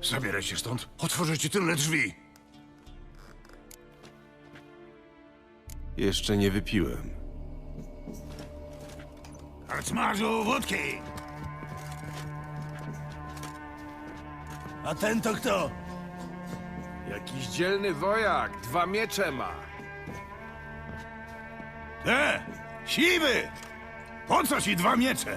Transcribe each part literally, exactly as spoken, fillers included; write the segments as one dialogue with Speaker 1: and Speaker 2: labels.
Speaker 1: Zabieraj się stąd. Otworzę ci tylne drzwi.
Speaker 2: Jeszcze nie wypiłem.
Speaker 1: Karczmarzu, wódki! A ten to kto?
Speaker 3: Jakiś dzielny wojak, dwa miecze ma.
Speaker 1: E, siwy! Po co ci dwa miecze?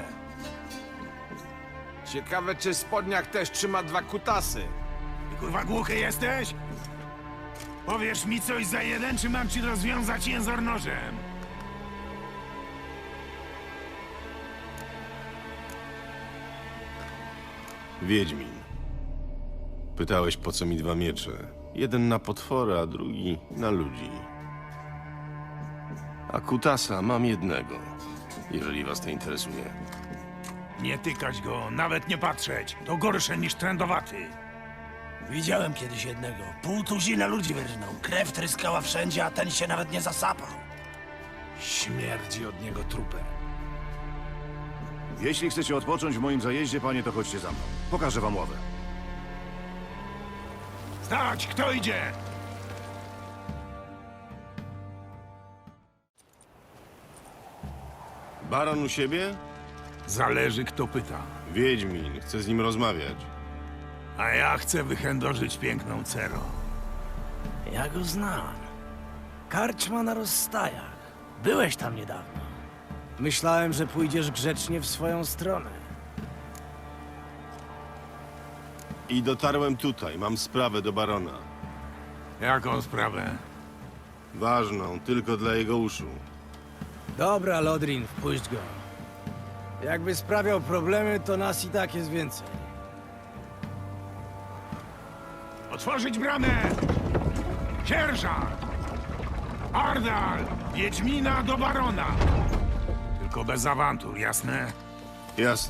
Speaker 3: Ciekawe, czy spodniak też trzyma dwa kutasy.
Speaker 1: Ty kurwa głuchy jesteś? Powiesz mi coś za jeden, czy mam ci rozwiązać język nożem?
Speaker 2: Wiedźmin. Pytałeś, po co mi dwa miecze. Jeden na potwory, a drugi na ludzi. A kutasa mam jednego, jeżeli was to interesuje.
Speaker 1: Nie tykać go, nawet nie patrzeć. To gorsze niż trędowaty.
Speaker 4: Widziałem kiedyś jednego. Pół tuzina ludzi wyrżnął. Krew tryskała wszędzie, a ten się nawet nie zasapał.
Speaker 1: Śmierdzi od niego trupem.
Speaker 5: Jeśli chcecie odpocząć w moim zajeździe, panie, to chodźcie za mną. Pokażę wam ławę.
Speaker 1: Stać, kto idzie?
Speaker 2: Baron u siebie?
Speaker 1: Zależy, kto pyta.
Speaker 2: Wiedźmin, chcę z nim rozmawiać.
Speaker 1: A ja chcę wychędożyć piękną Cero.
Speaker 4: Ja go znam. Karczma na rozstajach. Byłeś tam niedawno. Myślałem, że pójdziesz grzecznie w swoją stronę.
Speaker 2: I dotarłem tutaj, mam sprawę do barona.
Speaker 1: Jaką sprawę?
Speaker 2: Ważną, tylko dla jego uszu.
Speaker 4: Dobra, Lodrin, wpuść go. Jakby sprawiał problemy, to nas i tak jest więcej.
Speaker 1: Otworzyć bramę! Sierżant! Ardal! Wiedźmina do barona! Tylko bez awantur, jasne?
Speaker 2: Jasne.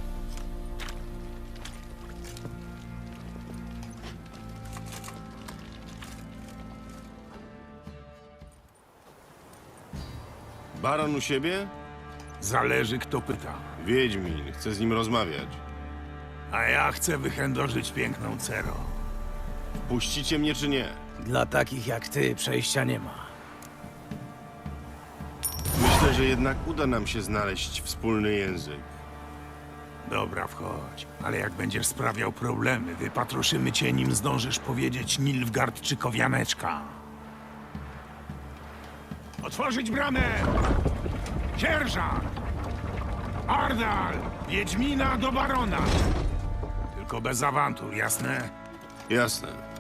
Speaker 2: Baron u siebie?
Speaker 1: Zależy, kto pyta.
Speaker 2: Wiedźmin, chcę z nim rozmawiać.
Speaker 1: A ja chcę wychędożyć piękną Cero.
Speaker 2: Puścicie mnie czy nie?
Speaker 4: Dla takich jak ty przejścia nie ma.
Speaker 2: Myślę, że jednak uda nam się znaleźć wspólny język.
Speaker 1: Dobra, wchodź. Ale jak będziesz sprawiał problemy, wypatroszymy cię, nim zdążysz powiedzieć Nilfgaard czy Kowianeczka. Otworzyć bramę! Sierżant! Ardal! Wiedźmina do barona! Tylko bez awantur, jasne?
Speaker 2: Jasne.